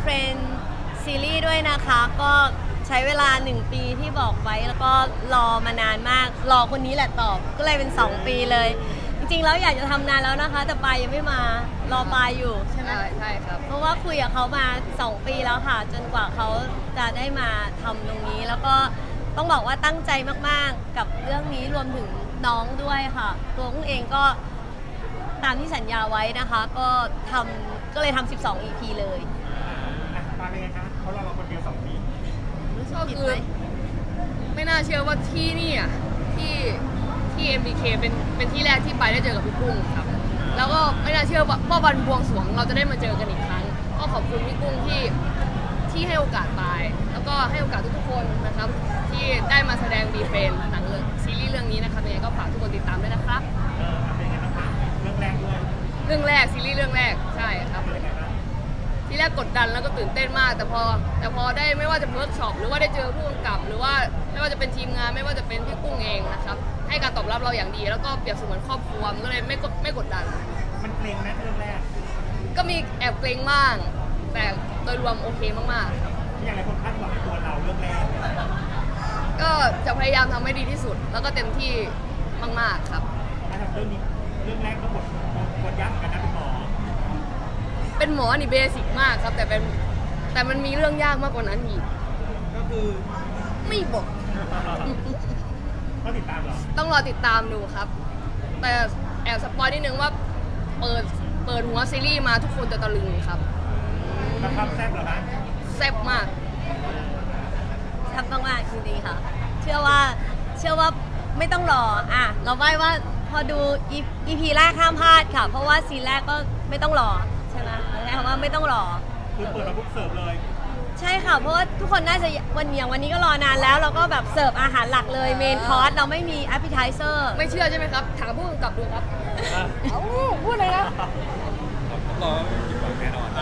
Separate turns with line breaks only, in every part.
Friend ซีรีส์ด้วยนะคะ ก็ใช้เวลา1 ปีที่บอกไว้แล้วก็รอมานานมากรอคนนี้แหละตอบก็เลยเป็น2 ปีเลย จริงๆแล้วอยากจะทำนานแล้วนะคะ แต่ปายยังไม่มารอปายอยู่ใช่ไหม
ใช่ครับ
เพราะว่าคุยกับเขามา2 ปีแล้วค่ะ จนกว่าเขาจะได้มาทำตรงนี้ แล้วก็ต้องบอกว่าตั้งใจมากๆกับเรื่องนี้รวมถึงน้องด้วยค่ะ ตัวกุ้งเองก็ตามที่สัญญาไว้นะคะ ก็เลยทำ12 EP เลย
ตาเป็นไงคะเขาเราคนเดียว2 ปี
รู้สึก
ก็
ผิด
คือ
ไหม
ไม่น่าเชื่อว่าที่นี่อ่ะที่ MBK เป็นที่แรกที่ไปได้เจอกับพี่กุ้งครับ แล้วก็ไม่น่าเชื่อว่าวันบวงสรวงเราจะได้มาเจอกันอีกครั้ง ก็ขอบคุณพี่กุ้งที่ให้โอกาสปายแล้วก็ให้โอกาสทุกๆคนนะครับ ที่ได้มาแสดงดีเฟนหนังเรื่องซีรีส์เรื่องนี้นะครับยังไงก็ฝากทุกคนติดตามด้วยนะครับ
เป็นไงบ้างคะเรื่องแรกด้วย
เรื่องแรกซีรีส์เรื่องแรกใช่ครับ
เป็นไงบ้าง
ที่แรกกดดันแล้วก็ตื่นเต้นมาก แต่พอได้ไม่ว่าจะเวิร์กช็อปหรือว่าได้เจอผู้กำกับ หรือว่าไม่ว่าจะเป็นทีมงานไม่ว่าจะเป็นพี่กุ้งเองนะครับให้การตอบรับเราอย่างดี แล้วก็เปรียบเสมือนครอบครัวมันก็เลยไม่กดดัน
มันเกรงไหมเรื่องแรก
ก็มีแอบเกรงบ้างแต่โดยรวมโอเคมากๆครับ
อย่างไรคนคาดหวังในตัวเราเรื่องแรก
ก็จะพยายามทำให้ดีที่สุด แล้วก็เต็มที่มากๆครับ
ถ้าทำเรื่องนี้เรื่องแรกก็บทยากเหมือนกันนะเป็นหมอ
เป็นหมอนี่เบสิกมากครับแต่มันมีเรื่องยากมากกว่านั้นอีก
ก็คือ
ไม่บอก
ก็ติดตามเหรอ
ต้องรอติดตามดูครับ แต่แอบสปอยนิดนึงว่าเปิดหัวซีรีส์มาทุกคนจะตะลึงครับ
แล้วความแซ่บเหรอคะ
แซ่บมาก
ทำมากๆจริงๆค่ะ เชื่อว่าไม่ต้องรอเราไหว้ว่าพอดู EP แรกห้ามพลาดค่ะ เพราะว่าซีนแรกก็ไม่ต้องรอใช่ไหมใช้คำว่าไม่ต้องรอ
คือเปิดมาปุ๊บเสิร์ฟเลย
ใช่ค่ะ เพราะว่าทุกคนน่าจะวันนี้ก็รอนานแล้ว เราก็แบบเสิร์ฟอาหารหลักเลยเมนคอร์สเราไม่มี appetizer
ไม่เชื่อใช่ไหมครับ ถามผู้กำกับดูครับ เอ้าพูดเลยนะ
รอผิดหวังแน่นอน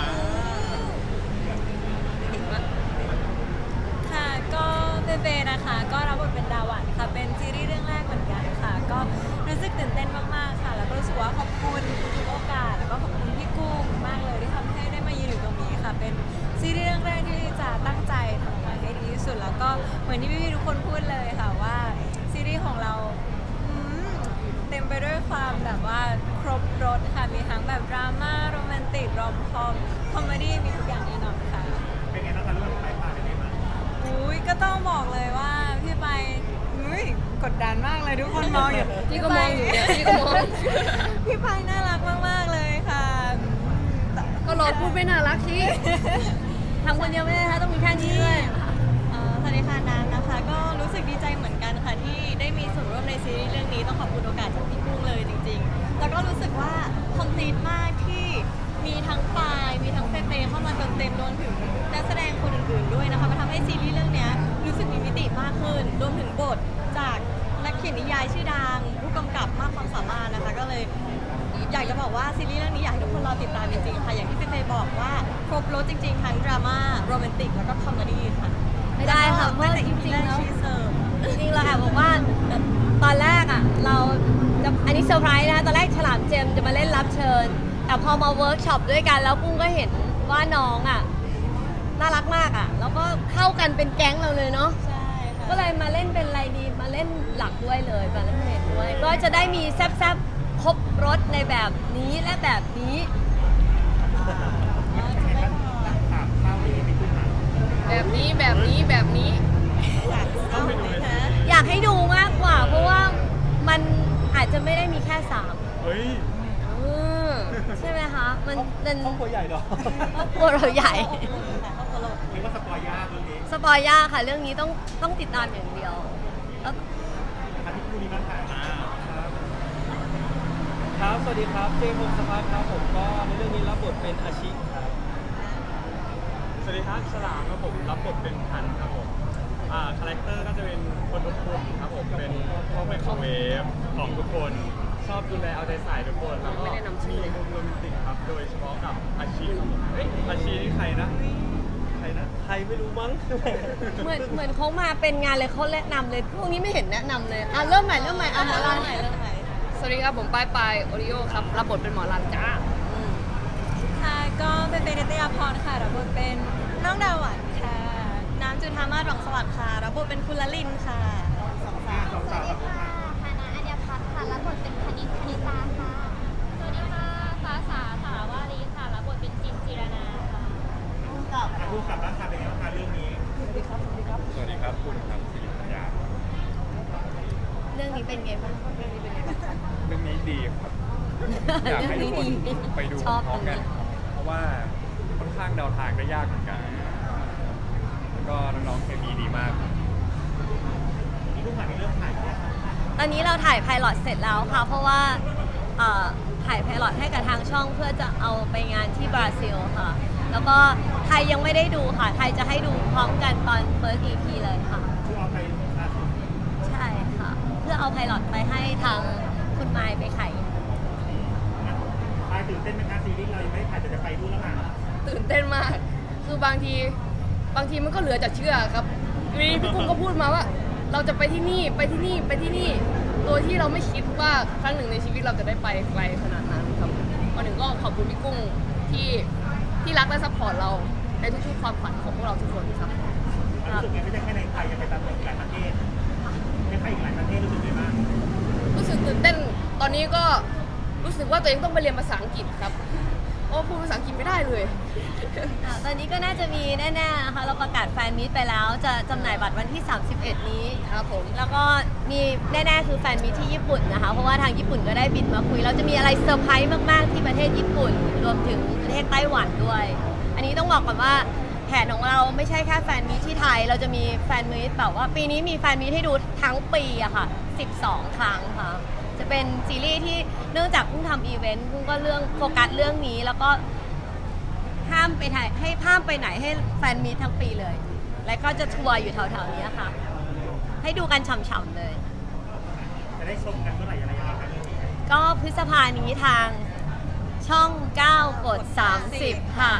ค่ะก็เบๆนะคะก็รับบทเป็นดาวันค่ะเป็นซีรีส์เรื่องแรกเหมือนกันค่ะ ก็รู้สึกตื่นเต้นมากๆค่ะ แล้วก็รู้สึกว่าขอบคุณทุกโอกาสแล้วก็ขอบคุณพี่กุ้งมากเลยที่ทำให้ได้มายืนอยู่ตรงนี้ค่ะ เป็นซีรีส์เรื่องแรกที่จะตั้งใจทำออกมาให้ดีที่สุด แล้วก็เหมือนที่พี่ๆทุกคนพูดเลยค่ะว่าซีรีส์ของเราเต็มไปด้วยความแบบว่าครบรสค่ะมีทั้งแบบดราม่าโรแมนติกรอมคอมคอมเมดี้มีทุกอย่างแน่นอนค่ะ
เป็นไงบ้างคะเรื่องไปผ่านเป็นไงบ้าง
อุ้ยก็ต้องบอกเลยว่าพี่ไปอุ้ยกดดันมากเลยทุกคนมองอยู่
พี่ก็มองอยู่เนี่ยพี่ก็มอง
พี่ไปน่ารักมากๆเลยค่ะ
ก็รอพูดไม่น่ารักสิ
ทำคนเดียวไม่ได้นะคะต้องมีแค่นี้ด้วย
สวัสดีค่ะน้ำนะคะ ก็รู้สึกดีใจเหมือนกันค่ะที่ได้มีส่วนร่วมในซีรีส์เรื่องนี้ต้องขอบคุณโอกาสจากพี่กุ้งเลยจริงๆ แล้วก็รู้สึกว่าคอมพลีทมากที่มีทั้งปายมีทั้งเฟเฟเข้ามาเติมเต็มรวมถึงนักแสดงคนอื่นๆด้วยนะคะมันทำให้ซีรีส์เรื่องนี้รู้สึกมีมิติมากขึ้นรวมถึงบทจากนักเขียนนิยายชื่อดังผู้กำกับมากความสามารถนะคะก็เลยอยากจะบอกว่าซีรีส์เรื่องนี้อยากให้ทุกคนรอติดตามจริงๆค่ะอย่างที่เฟย์บอกว่าครบรสจริงๆทั้งดราม่าโรแมนติกแล้วก็คอมเมดี้ค่ะ
ไม่ได้ค่ะเพราะ
แต่
จ
จ
ริ
ริ
ง
ง
ๆ
ๆ
แล้ว
ชีเสิร์ฟ
จริงๆเราแอบบอกว่าตอนแรกเราจะอันนี้เซอร์ไพรส์นะคะตอนแรกฉลามเจมส์จะมาเล่นรับเชิญ แต่พอมาเวิร์กช็อปด้วยกันแล้วกุ้งก็เห็นว่าน้องน่ารักมากแล้วก็เข้ากันเป็นแก๊งเราเลยเนาะ
ใช่ค่ะ
ก็เลยมาเล่นเป็นอะไรดีมาเล่นหลักด้วยเลยมาเล่นเมนด้วย ก็จะได้มีแซ่บๆครบรสในแบบนี้และแบบนี้
ถามข้าวนี้ไม่ขึ้นมา
แบบนี้แบบนี้แบบนี้
อยากดูไหมคะ
อยากให้ดูมากกว่า เพราะว่ามันอาจจะไม่ได้มีแค่สาม
เฮ้ย
ใช่ไหมคะมันเป็น
ครอบครัวใหญ่เหรอ
ครอบครัวเราใหญ่
เรียกว่าสปอยยากเรื่องนี้
สปอยยากค่ะ เรื่องนี้ต้องติดตามอย่างเดียวแล้ว
อาทิตย์คู่นี้บ้างค่ะครับ
ครับ สวัสดีครับ เจมส์พงศพัฒน์ครับผมก็ในเรื่องนี้รับบทเป็นอาชิครับ
สวัสดีครับฉลามครับผมรับบทเป็นพันธุ์ครับผมคาแรคเตอร์ก็จะเป็นคนอบอุ่นครับผมเป็นพ่อไมโครเวฟของทุกคนชอบดูแลเอาใจใส่ทุกคนแล้วก็
ไม่แนะนำชื่
มี
อเลย
มุมโรแมนติกครับโดยเฉพาะกับอาชีครับผมเอ้ยอาชีนี่ใครนะใครนะ
ใครไม่รู้มั้ง
เหมือนเขามาเป็นงานเลยเขาแนะนำเลยพวกนี้ไม่เห็นแนะนำเลยเริ่มใหม่หมอ
เริ่ม
ลา
ใหม่เริ่มใหม่
สวัสดีครับผมปายโอริโอครับรับบทเป็นหมอรันจ้า
ค่ะก็เป็นในตยาพรค่ะรับบทเป็นน้องดาวหวานค่ะ น้ำจุธามาศหวังสวัสดิ์ค่ะรับบทเป็นคุณละลินค่ะ
สองสาว
สวัสดีค่ะฮานาอัญญพัฒน์ค่ะ รับบทเป็นคณิตคณิตาค่ะ สวัสดีค่ะ ฟ้าสาสาวารีค่ะ รับบทเป็นจิมจิรนาค่ะ
ผู้กำกับร่างกายเป็นยังไงบ้างคะเรื่องนี้
สวัสดีครับคุณครับสิริปัญญา
เรื่องนี้เป็นไงบ้าง
เรื่องนี้ดีครับ อยากให้ทุกคนไปดู
ชอบ
พร้อม
ตรง
กัน
นี้
เพราะว่าค่อนข้างเดาทางได้ยากเหมือนกัน แล้วก็น้องๆเคมีดีมาก
มีผู้กำกับในเรื่องถ่ายเนี่ย
ตอนนี้เราถ่ายไพลอตเสร็จแล้วค่ะ เพราะว่าถ่ายไพลอตให้กับทางช่องเพื่อจะเอาไปงานที่บราซิลค่ะ แล้วก็ไทยยังไม่ได้ดูค่ะ ไทยจะให้ดูพร้อมกันตอน first EP เลยค่ะ
คือเอาไปล่าสุด
ใช่ค่ะ เพื่อเอาไพลอตไปให้ทางคุณไมค์ไปไข
ไปตื่นเต้นไหมคะซีรีส์เรายังไม่ได้ถ่ายแต่จะไปดูแล้วนะ
ตื่นเต้นมาก คือบางทีมันก็เหลือจะเชื่อครับวีพี่กุ้งก็พูดมาว่า เราจะไปที่นี่ไปที่นี่ไปที่นี่ โดยที่เราไม่คิดว่าครั้งหนึ่งในชีวิตเราจะได้ไปไกลขนาดนั้นครับวันหนึ่งก็ขอบคุณพี่กุ้งที่รักและซัพพอร์ตเราในทุกๆความฝันของพวกเราทุกคนครับ
รู้สึกไงไม่ใช่แค่ในไทยยังไปตามอีกหลายประเทศไม่ใช่อีกหลายประเทศรู้สึกไงบ้าง
รู้สึกตื่นเต้น ตอนนี้ก็รู้สึกว่าตัวเองต้องไปเรียนภาษาอังกฤษครับเพราะว่าพูดภาษาอังกฤษไม่ได้เลย
ตอนนี้ก็น่าจะมีแน่ๆนะคะเราประกาศแฟนมิตไปแล้ว จะจำหน่ายบัตรวันที่ 31 นี้
ครับผม
แล้วก็มีแน่ๆคือแฟนมิตที่ญี่ปุ่นนะคะ เพราะว่าทางญี่ปุ่นก็ได้บินมาคุย เราจะมีอะไรเซอร์ไพรส์มากๆที่ประเทศญี่ปุ่น รวมถึงประเทศไต้หวันด้วย อันนี้ต้องบอกก่อนว่าแผนของเราไม่ใช่แค่แฟนมิตที่ไทย เราจะมีแฟนมิตแบบว่าปีนี้มีแฟนมิตให้ดูทั้งปีอะค่ะ 12 ครั้งค่ะ จะเป็นซีรีส์ที่เนื่องจากเพิ่งทำอีเวนต์เพิ่งก็เรื่องโฟกัสเรื่องนี้แล้วก็ ห้ามไปไหนให้แฟนมีตทั้งปีเลย และก็จะทัวร์อยู่แถวๆนี้ค่ะ ให้ดูกันฉ่ำๆเลย
จะได้ชมกันเมื่อไหร่อะไรยังไงครับเรื่องนี้
ก็พฤษภานี้ทางช่อง 9 กด 30 ค่ะ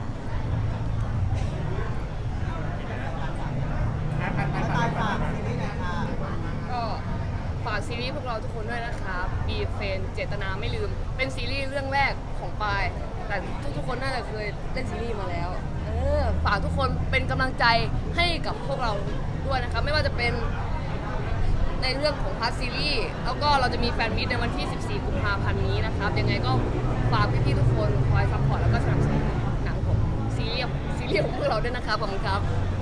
ไปฝากซีรีส์
ก็ฝากซีรีส์พวกเราทุกคนด้วยนะครับบีเฟนเจตนาไม่ลืม เป็นซีรีส์เรื่องแรกของปาย แต่ทุกๆคนน่าจะเคยเล่นซีรีส์มาแล้วฝากทุกคนเป็นกำลังใจให้กับพวกเราด้วยนะครับ ไม่ว่าจะเป็นในเรื่องของพาร์ทซีรีส์แล้วก็เราจะมีแฟนมิตในวันที่ 14 กุมภาพันธ์นี้นะครับ ยังไงก็ฝากพี่ๆทุกคนคอยซัพพอร์ตแล้วก็สนับสนุนหนังผมซีรีส์ของพวกเราด้วยนะครับขอบคุณครับ